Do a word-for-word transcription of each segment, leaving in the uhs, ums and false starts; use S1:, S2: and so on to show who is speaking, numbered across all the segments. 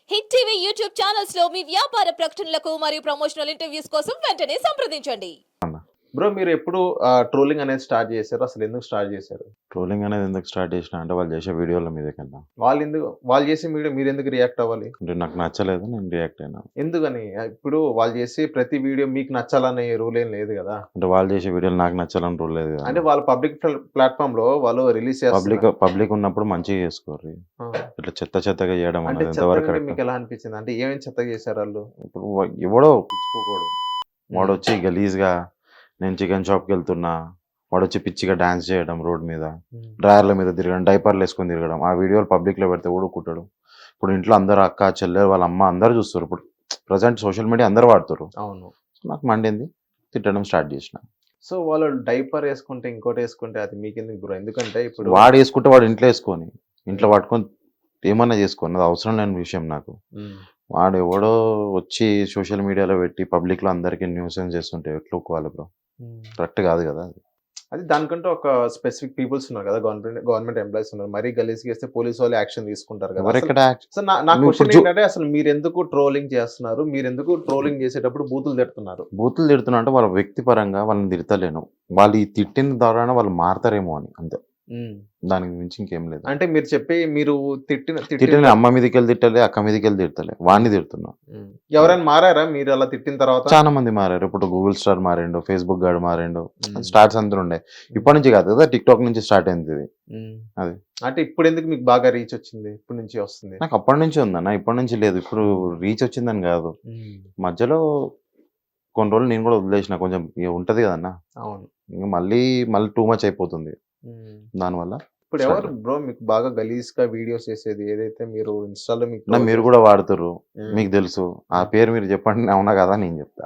S1: Hit TV YouTube channels లో మీ వ్యాపార ప్రకటనలకు మరియు ప్రమోషనల్ ఇంటర్వ్యూస్ కోసం వెంటనే సంప్రదించండి.
S2: బ్రో మీరు ఎప్పుడు ట్రోలింగ్ అనేది స్టార్ట్ చేశారు? అసలు ఎందుకు స్టార్ట్ చేశారు?
S3: ట్రోలింగ్ అనేది ఎందుకు స్టార్ట్ చేసిన అంటే వాళ్ళు చేసే వీడియోల మీద కన్నా
S2: వాళ్ళు ఎందుకు వాళ్ళు చేసే వీడియో మీరు ఎందుకు రియాక్ట్ అవ్వాలి?
S3: అంటే నాకు నచ్చలేదు, నేను రియాక్ట్ అయినా.
S2: ఎందుకని? ఇప్పుడు వాళ్ళు చేసే ప్రతి వీడియో మీకు నచ్చాలనే రూల్ ఏం లేదు కదా.
S3: అంటే వాళ్ళు చేసే వీడియోలు నాకు నచ్చాలని రూల్ లేదు కదా.
S2: అంటే వాళ్ళ పబ్లిక్ ప్లాట్ఫామ్ లో వాళ్ళు రిలీజ్
S3: పబ్లిక్
S2: చేస్తారు.
S3: పబ్లిక్ ఉన్నప్పుడు మంచిగా చేసుకోరు. ఇట్లా చెత్త చెత్తగా చేయడం
S2: అంటే
S3: అనేది ఎంతవరకు
S2: చెత్తగా
S3: కరెక్ట్?
S2: మీకు ఎలా అనిపించింది? అంటే ఏమేమి చెత్తగా చేశారు వాళ్ళు?
S3: ఇప్పుడు వా- ఎవడో పిచ్చుకోకూడదు, వాడు వచ్చి గలీజ్గా నేను చికెన్ షాప్కి వెళ్తున్నా, వాడు వచ్చి పిచ్చిగా డాన్స్ చేయడం, రోడ్ మీద డ్రాయర్ల మీద తిరగడం, డైపర్లు వేసుకొని తిరగడం, ఆ వీడియోలు పబ్లిక్లో పెడితే ఊడుకుంటాడు. ఇప్పుడు ఇంట్లో అందరూ అక్క చెల్లె వాళ్ళ అమ్మ అందరూ చూస్తారు. ఇప్పుడు ప్రజెంట్ సోషల్ మీడియా అందరూ వాడుతారు.
S2: అవును.
S3: సో నాకు మండింది, తిట్టడం స్టార్ట్ చేసిన.
S2: సో వాళ్ళు డైపర్ వేసుకుంటే ఇంకోటి వేసుకుంటే అది మీకెందుకు బ్రో? ఎందుకంటే ఇప్పుడు
S3: వాడు వేసుకుంటే వాడు ఇంట్లో వేసుకొని ఇంట్లో పట్టుకొని ఏమన్నా చేసుకోని, అది అవసరం లేని విషయం నాకు.
S2: ఉమ్,
S3: వాడు ఎవడో వచ్చి సోషల్ మీడియాలో పెట్టి పబ్లిక్లో అందరికీ న్యూసెన్స్ చేస్తుంటే ఎట్లా ఒప్పుకోవాలి బ్రో?
S2: ఉమ్.
S3: కరెక్ట్ కాదు కదా అది.
S2: అది దానికంటే ఒక స్పెసిఫిక్ పీపుల్స్ ఉన్నారు కదా, గవర్నమెంట్ గవర్నమెంట్ ఎంప్లాయీస్ ఉన్నారు. మరీ గలీజ్ చేస్తే పోలీసు వాళ్ళు యాక్షన్ తీసుకుంటారు కదా.
S3: ఎవరెక్కడ
S2: అసలు- సో నా నా
S3: నువ్వు
S2: క్వశ్చన్
S3: ఇప్పుడు చూ-
S2: ఏంటంటే అసలు మీరు ఎందుకు ట్రోలింగ్ చేస్తున్నారు? మీరు ఎందుకు ట్రోలింగ్ చేసేటప్పుడు బూతులు తిడుతున్నారు?
S3: బూతులు తిడుతున్నా అంటే వాళ్ళ వ్యక్తిపరంగా వాళ్ళని తిడతలేను, వాళ్ళు ఈ తిట్టిన ద్వారా వాళ్ళు మారతారేమో అని, అంతే.
S2: ఉమ్.
S3: దానికి మించి ఇంకేం లేదు.
S2: అంటే మీరు చెప్పి మీరు తిట్టిన తిట్టిన
S3: తిట్టిన అమ్మ మీదకి వెళ్ళి తిట్టలే, అక్క మీదకి వెళ్ళి తిడతలే, వాడిని తిడుతున్నా.
S2: ఉమ్. ఎవరైనా మారారా మీరు అలా తిట్టిన తర్వాత?
S3: చాలా మంది మారారు. ఇప్పుడు గూగుల్ స్టార్ మారిండు, ఫేస్బుక్ గాడు మారిండు,
S2: ఉమ్.
S3: స్టార్ట్స్ అందరూ ఉండే. ఇప్పటి నుంచి కాదు కదా, టిక్ టాక్ నుంచి స్టార్ట్ అయింది ఇది.
S2: ఉమ్.
S3: అది.
S2: అంటే ఇప్పుడు ఎందుకు మీకు బాగా రీచ్ వచ్చింది? ఇప్పటి నుంచి వస్తుంది.
S3: నాకు అప్పటి నుంచి ఉందన్న, ఇప్పటి నుంచి లేదు. ఇప్పుడు రీచ్ వచ్చిందని కాదు,
S2: ఉమ్.
S3: మధ్యలో కొన్ని రోజులు నేను కూడా వదిలేసిన, కొంచెం ఇక ఉంటది కదన్న,
S2: అవును.
S3: ఇంక మళ్ళీ మళ్ళీ టూ మచ్ అయిపోతుంది
S2: ఉమ్.
S3: దానివల్ల.
S2: ఇప్పుడు ఎవరు బ్రో మీకు బాగా గలీజ్ గా వీడియోస్ చేసేది? ఏదైతే మీరు ఇన్స్టాలో మీకు
S3: నా మీరు కూడా వాడుతుర్రు,
S2: ఉమ్.
S3: మీకు తెలుసు. ఆ పేరు మీరు చెప్పండి, అవునా కదా నేను చెప్తా.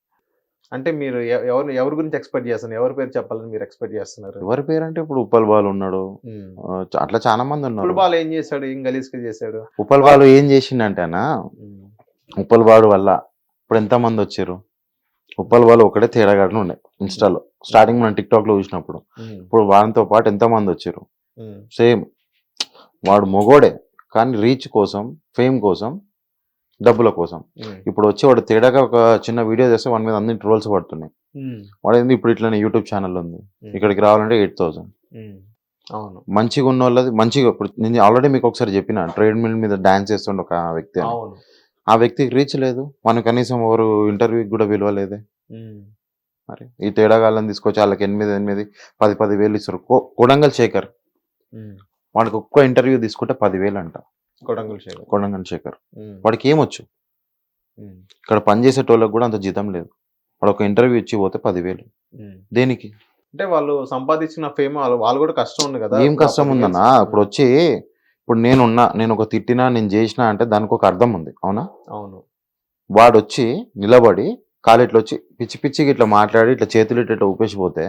S2: అంటే మీరు ఎ- ఎవరు ఎవరి గురించి ఎక్స్పెక్ట్ చేస్తున్నారు? ఎవరి పేరు చెప్పాలని మీరు ఎక్స్పెక్ట్ చేస్తున్నారు?
S3: ఎవరి పేరు అంటే ఇప్పుడు ఉప్పల్ బాలు ఉన్నాడు,
S2: ఉమ్.
S3: ఆ, చ- అట్లా చాలా మంది ఉన్నారు.
S2: ఫుట్బాల్ ఏం చేశాడు? ఏం గలీజ్ గా చేశాడు?
S3: ఉప్పల్ బాలు ఏం చేసిండంటేనా,
S2: ఉమ్.
S3: ఉప్పల్ బాలు వల్ల ఇప్పుడు ఎంత మంది వచ్చారు. ఉప్పల్ బాలు ఒకటే తేడాగాడు ఉండే ఇన్స్టాలో స్టార్టింగ్ మనం టిక్ టాక్ లో చూసినప్పుడు.
S2: ఉమ్.
S3: ఇప్పుడు వాడితో పాటు ఎంత మంది వచ్చారు.
S2: ఉమ్.
S3: సేమ్ వాడు మొగోడే, కానీ రీచ్ కోసం, ఫేమ్ కోసం, డబ్బుల కోసం.
S2: ఉమ్.
S3: ఇప్పుడు వచ్చి వాడు తేడాగా ఒక చిన్న వీడియో చేస్తే వాడి మీద అన్ని ట్రోల్స్ పడుతున్నాయి.
S2: ఉమ్.
S3: వాడు ఏంది ఇప్పుడు ఇట్లనే యూట్యూబ్ ఛానల్ ఉంది,
S2: ఉమ్.
S3: ఇక్కడికి రావాలంటే ఎయిట్ థౌసండ్.
S2: ఉమ్. అవును.
S3: మంచిగా ఉన్న వాళ్ళది మంచిగా, ఇప్పుడు నేను ఆల్రెడీ మీకు ఒకసారి చెప్పిన, ట్రేడ్ మిల్ మీద డాన్స్ చేస్తుండే ఒక వ్యక్తి అని.
S2: అవును.
S3: ఆ వ్యక్తికి రీచ్ లేదు, మనకు కనీసం ఎవరు ఇంటర్వ్యూకి కూడా విలువలేదే.
S2: ఉమ్.
S3: మరి ఈ తేడాగాళ్ళని తీసుకొచ్చి వాళ్ళకి ఎనిమిది ఎనిమిది పది పది వేలు ఇస్తారు. కొ- కొడంగల్ శేఖర్,
S2: ఉమ్.
S3: వాడికి ఒక్క ఇంటర్వ్యూ తీసుకుంటే పదివేలు అంట.
S2: కొడంగల్ శేఖర్.
S3: కొడంగల్ శేఖర్
S2: ఉమ్.
S3: వాడికి ఏమొచ్చు?
S2: ఉమ్.
S3: ఇక్కడ పనిచేసేటోళ్ళకి కూడా అంత జీతం లేదు. వాడు ఒక ఇంటర్వ్యూ ఇచ్చి పోతే పదివేలు
S2: ఉమ్.
S3: దేనికి?
S2: అంటే వాళ్ళు సంపాదించిన ఫేమ్ వాళ్ళు వాళ్ళు కూడా కష్టం ఉంది కదా.
S3: ఏం కష్టం ఉందన్నా? ఇప్పుడు వచ్చి ఇప్పుడు నేనున్నా, నేను ఒక తిట్టినా, నేను చేసినా అంటే దానికి ఒక అర్థం ఉంది, అవునా?
S2: అవును.
S3: వాడు వచ్చి నిలబడి కాలు వచ్చి పిచ్చి పిచ్చికి ఇట్లా మాట్లాడి ఇట్లా చేతులు ఇట్లా ఇట్లా ఊపేసిపోతే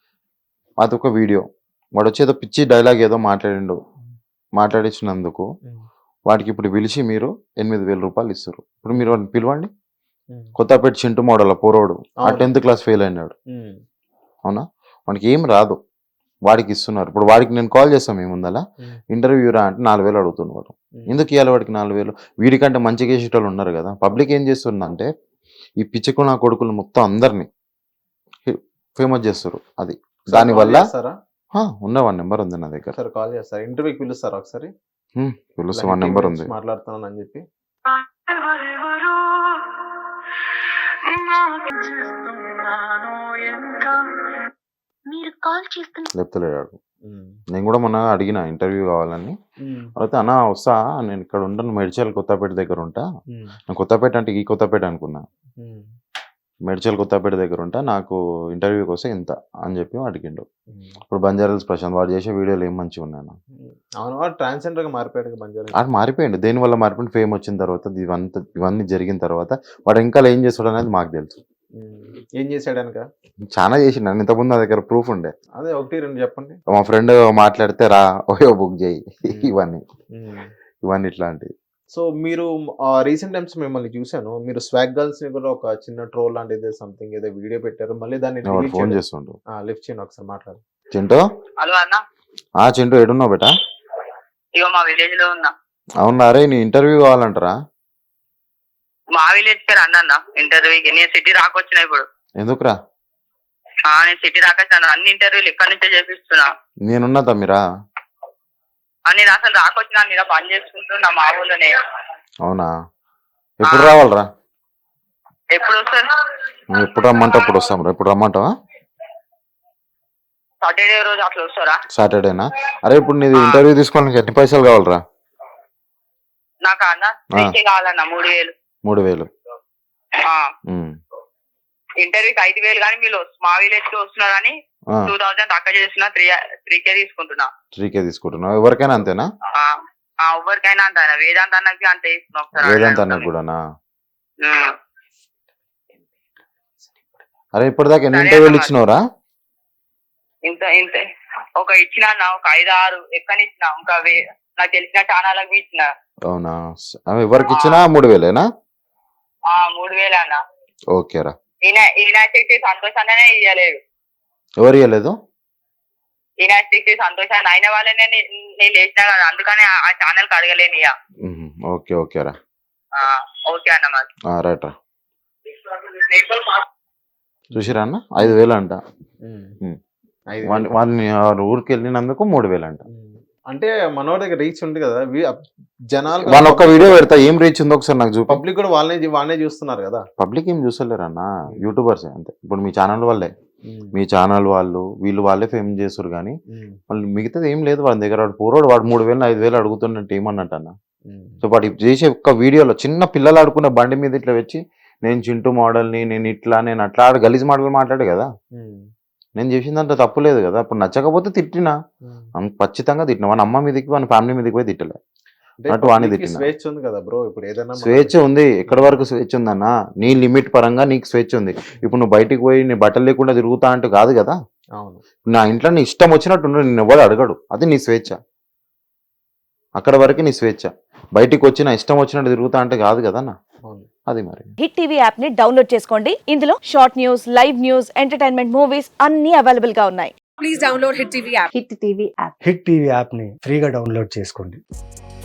S3: అదొక వీడియో. వాడు వచ్చి ఏదో పిచ్చి డైలాగ్ ఏదో మాట్లాడిండు, మాట్లాడించినందుకు
S2: ఉమ్.
S3: వాడికి ఇప్పుడు పిలిచి మీరు ఎనిమిది వేల రూపాయలు ఇస్తారు. ఇప్పుడు మీరు వాడిని పిలవండి.
S2: ఉమ్.
S3: కొత్తపేట చింటూ మోడల్ పోరోడు ఆ
S2: అవును.
S3: టెన్త్ క్లాస్ ఫెయిల్ అయినాడు,
S2: ఉమ్.
S3: అవునా? వాడికి ఏం రాదు, వాడికి ఇస్తున్నారు. ఇప్పుడు వాడికి నేను కాల్ చేస్తాం ఏముందలా,
S2: ఉమ్.
S3: ఇంటర్వ్యూ రా అంటే నాలుగు వేలు అడుగుతున్నారు.
S2: ఉమ్.
S3: ఎందుకు ఇవ్వాలి వాడికి నాలుగు వేలు? వీడికంటే మంచిగా చేసేటోళ్ళు ఉన్నారు కదా. పబ్లిక్ ఏం చేస్తుందంటే ఈ పిచ్చికు నా కొడుకులు మొత్తం అందరినీ ఫేమస్ చేస్తారు. అది
S2: ఒకసారి
S3: దానివల్ల
S2: కాల్ చేస్తారా?
S3: హా, ఉన్న వన్ నెంబర్ ఉంది నా దగ్గర.
S2: ఒకసారి కాల్ చేస్తారా? ఇంటర్వ్యూకి పిలుస్తారా ఒకసారి?
S3: హ్మ్, పిలుస్తా,
S2: ఇలా
S3: వన్
S2: హిట్
S3: నెంబర్
S2: గురించి
S3: ఉంది.
S2: మాట్లాడుతున్నాను అని చెప్పి.
S4: ఎవరెవరో నాకు చేస్తున్నాను ఇంకా మీరు కాల్ చేస్తున్న
S3: చెప్తలేడు.
S2: ఉమ్.
S3: నేను కూడా మొన్న అడిగిన ఇంటర్వ్యూ కావాలని,
S2: ఉమ్.
S3: అయితే అన్న వస్తా, నేను ఇక్కడ ఉంటాను, మెడ్చల్ కొత్తపేట దగ్గర ఉంటా.
S2: ఉమ్.
S3: నేను కొత్తపేట అంటే ఈ కొత్తపేట అనుకున్నా,
S2: ఉమ్.
S3: మెడ్చల్ కొత్తపేట దగ్గర ఉంటా, నాకు ఇంటర్వ్యూకి వస్తే ఇంత అని చెప్పి అడిగిండు.
S2: ఉమ్.
S3: ఇప్పుడు బంజారాల్స్ ప్రశాంత్ వాడు చేసే వీడియోలు ఏం మంచిగా ఉన్నాను.
S2: అవును, వాడు ట్రాన్స్జెండర్ గా మారిపోయాడు కదా బంజారా.
S3: వాడు మారిపోయిండు, దేనివల్ల మారిపోయింది? ఫేమ్ వచ్చిన తర్వాత, ఇవంతా ఇవన్నీ జరిగిన తర్వాత వాడు ఇంకా ఏం చేస్తాడు అనేది మాకు తెలుసు.
S2: ఉమ్. ఏం చేశాడు అనక?
S3: చాలా చేసిండు. నేను ఇంతకుముందు నా దగ్గర ప్రూఫ్ ఉండే.
S2: అదే ఒకటి రెండు చెప్పండి.
S3: మా ఫ్రెండ్ మాట్లాడితే రా ఓయో బుక్ చేయి, ఇవన్నీ
S2: ఉమ్.
S3: ఇవన్నీ ఇట్లాంటివి.
S2: సో మీరు రీసెంట్ టైమ్స్ మిమ్మల్ని చూశాను, మీరు స్వాగ్ గర్ల్స్ ని కూడా ఒక చిన్న ట్రోల్ లాంటిది సంథింగ్ ఏదో వీడియో పెట్టారు, మళ్ళీ దాన్ని
S3: వాడు ఫోన్ చేస్తుండు.
S2: లిఫ్ట్ చేయండి ఒకసారి మాట్లాడు.
S3: చింటూ,
S4: హలో అన్న,
S3: ఆ చింటూ ఎడున్నావు బేటా?
S4: ఇగో మా విలేజ్ లో ఉన్నా.
S3: అవునా రే, నీ ఇంటర్వ్యూ కావాలంటారా?
S4: మా విలేజ్ కి రండి అన్న ఇంటర్వ్యూకి. నేను సిటీ రాకొచ్చిన ఇప్పుడు.
S3: ఎందుకురా?
S4: ఆ, నేను సిటీ రాకొచ్చాను. అన్ని ఇంటర్వ్యూలు ఇక్కడ నుంచే చేపిస్తున్నా.
S3: నేనున్నా తమ్మిరా.
S4: ఆ, నేను అసలు రాకొచ్చినా మీద పని చేసుకుంటున్నా మా ఊళ్ళోనే.
S3: అవునా? ఎప్పుడు రావాలరా?
S4: ఎప్పుడు వస్తారు?
S3: నువ్వు ఎప్పుడు రమ్మంటే అప్పుడు వస్తాం. ఎప్పుడు రమ్మంటావా?
S4: సాటర్డే రోజు అట్లా వస్తారా?
S3: సాటర్డేనా? అరే ఇప్పుడు నీది ఇంటర్వ్యూ తీసుకోవడానికి ఎన్ని పైసలు కావాలరా?
S4: నాకు అన్న త్రీకే కావాలన్న. మూడు వేలు.
S3: మూడు వేలు
S4: ఇంటర్వ్యూకి ఐదు వేలు కానీ మీరు మా విలేజ్ కి వస్తున్నారు కానీ టూ థౌసండ్ తక్కువ చేస్తున్నా. త్రీ త్రీకే తీసుకుంటున్నా.
S3: త్రీకే తీసుకుంటున్నావు? ఎవరికైనా అంతేనా?
S4: ఎవరికైనా అంత వేదాంత అన్నకి అంతే ఇస్తున్నా.
S3: వేదాంత అన్నకు కూడానా? అరే ఇప్పటిదాకా ఎన్ని ఇంటర్వ్యూలు ఇచ్చినవరా?
S4: ఇంత ఇంత ఒక ఇచ్చిన ఒక ఐదు ఆరు ఎక్కడ ఇచ్చిన. ఇంకా నాకు తెలిసిన ఛానళ్ళకి ఇచ్చిన.
S3: అవునా? ఎవరికి ఇచ్చినా మూడు వేలేనా?
S4: మూడు వేలే అన్న.
S3: ఓకేరా.
S4: ఈయన ఈయన సంతోష్ అన్ననే ఇయ్యలేదు.
S3: ఎవరు ఇవ్వలేదు?
S4: ఈయన సంతోష్ అన్న అయిన వాళ్ళనే నేను లేచినా కదా, అందుకని ఆ ఛానల్ కి అడగలేను ఇక.
S3: ఓకే ఓకేరా.
S4: ఓకే అన్న. మరి
S3: రైట్ రా. చూసిరా అన్న, ఐదు వేలు అంట. వాళ్ళని ఊరికి వెళ్ళినందుకు మూడు వేలు అంట.
S2: అంటే మనోడి దగ్గర రీచ్ ఉంది కదా జనాలు.
S3: వాళ్ళ ఒక్క వీడియో పెడతా, ఏం రీచ్ ఉందో ఒకసారి నాకు చూపి.
S2: పబ్లిక్ కూడా వాళ్ళనే వాళ్ళనే చూస్తున్నారు కదా.
S3: పబ్లిక్ ఏం చూస్తలేరు అన్న, యూట్యూబర్స్ అంతే. ఇప్పుడు మీ ఛానల్ వాళ్ళే, మీ ఛానల్ వాళ్ళు వీళ్ళు వాళ్ళే ఫేమ్ చేస్తారు కానీ వాళ్ళు మిగతాది ఏం లేదు వాళ్ళ దగ్గర. వాడు పూర్వాడు వాడు మూడు వేలు ఐదు వేలు అడుగుతున్నట్టు ఏమన్నట్టు అన్న. సో వాడు చేసే ఒక్క వీడియోలో చిన్న పిల్లలు ఆడుకునే బండి మీద ఇట్లా వచ్చి నేను చింటూ మోడల్ని, నేను ఇట్లా నేను అట్లా ఆడు గలీజ్ మాటలు మాట్లాడే కదా. నేను చేసిందంటే తప్పు లేదు కదా. అప్పుడు నచ్చకపోతే తిట్టినా, ఖచ్చితంగా తిట్టినా. వాని అమ్మ మీదకి వాని ఫ్యామిలీ మీదకి పోయి తిట్టలే. అటు వాణి తిట్టిన.
S2: స్వేచ్ఛ ఉంది కదా బ్రో. ఇప్పుడు ఏదైనా
S3: స్వేచ్ఛ ఉంది. ఎక్కడి వరకు స్వేచ్ఛ ఉందన్న? నీ లిమిట్ పరంగా నీకు స్వేచ్ఛ ఉంది. ఇప్పుడు నువ్వు బయటికి పోయి నీ బట్టలు లేకుండా తిరుగుతా అంటే కాదు కదా.
S2: అవును.
S3: నా ఇంట్లో నీ ఇష్టం వచ్చినట్టు నిన్ను ఎవరు అడగడు, అది నీ స్వేచ్ఛ. అక్కడ వరకు నీ స్వేచ్ఛ. బయటికి వచ్చి నా ఇష్టం వచ్చినట్టు తిరుగుతా అంటే కాదు కదన్న. అది మరి.
S5: హిట్ టీవీ యాప్ ని డౌన్లోడ్ చేసుకోండి. ఇందులో short news, live news, entertainment movies అన్ని అవైలబుల్ గా ఉన్నాయి. Please download hit TV app. Hit TV app.
S6: Hit TV app ని ఫ్రీగా డౌన్లోడ్ చేసుకోండి.